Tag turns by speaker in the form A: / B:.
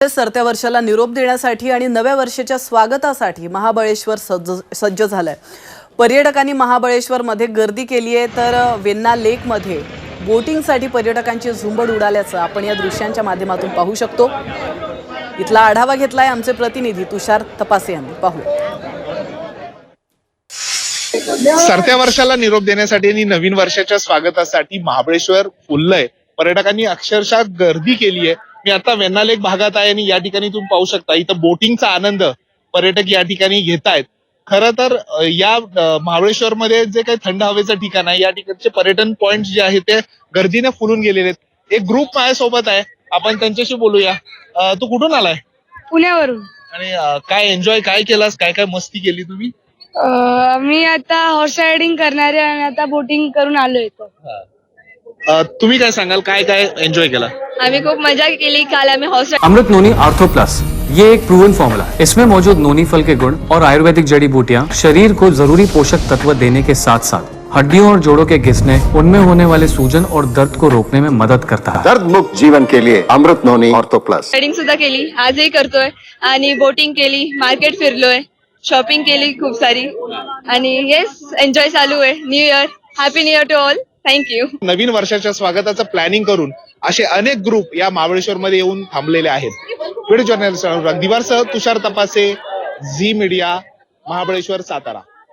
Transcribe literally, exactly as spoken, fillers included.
A: त्यामुळे सरत्या वर्षाला निरोप देण्यासाठी आणि नव्या वर्षाच्या स्वागतासाठी महाबळेश्वर सज्ज सज्ज झालंय। पर्यटकांनी महाबळेश्वरमध्ये गर्दी केली आहे, तर वेण्णा लेकमध्ये बोटिंगसाठी पर्यटकांची झुंबड उडाल्याचं आपण या दृश्यांच्या माध्यमातून पाहू शकतो। इथला आढावा घेतलाय आमचे प्रतिनिधी तुषार तपासे यांनी। पाहू।
B: सरत्या वर्षाला निरोप देण्यासाठी आणि नवीन वर्षाच्या स्वागतासाठी महाबळेश्वर फुललंय। पर्यटकांनी अक्षरशः गर्दी केली आहे। मी आता वेण्णा लेक भागात आहे आणि या ठिकाणी तुम्ही पाहू शकता इथं बोटिंगचा आनंद पर्यटक या ठिकाणी घेतायत। खरं तर या महाबळेश्वर मध्ये जे काही थंड हवेचं ठिकाण आहे, या ठिकाणचे पर्यटन पॉइंट जे आहेत ते गर्दीने फुलून गेलेले आहेत। एक ग्रुप माझ्यासोबत आहे, आपण त्यांच्याशी बोलूया। तू कुठून आलाय?
C: पुण्यावरून।
B: आणि काय एन्जॉय काय केलास, काय काय मस्ती केली तुम्ही?
C: मी आता हॉर्स रायडिंग करणार आहे आणि आता बोटिंग करून आलोय इथं।
B: तुम्ही काय सांगाल, काय काय एन्जॉय केला?
C: आम्ही खूप मजा केली। काल आम्ही हॉर्स
D: अमृत नोनी आर्थो प्लस, ये एक प्रूवन फॉर्मूला है। इसमें मौजूद नोनी फल के गुण और आयुर्वेदिक जड़ी बूटियां शरीर को जरूरी पोषक तत्व देने के साथ साथ हड्डियों और जोड़ों के घिसने, उनमें होने वाले सूजन और दर्द को रोकने में मदद करता है।
E: दर्द मुक्त जीवन के लिए अमृत नोनी आर्थो प्लस।
C: रायडिंग सुद्धा केली, आजही करतोय आणि बोटिंग केली, मार्केट फिरलोय, शॉपिंग केली खूप सारी आणि येस एन्जॉय चालू आहे। New year, happy new year to all. Thank you.
B: नवीन वर्षाच्या स्वागताचं प्लॅनिंग करून असे अनेक ग्रुप या महाबळेश्वर मध्ये येऊन थांबलेले आहेत। व्हिडिओ जर्नलिस्ट दिवारसह तुषार तपासे, झी मीडिया, महाबळेश्वर, सातारा।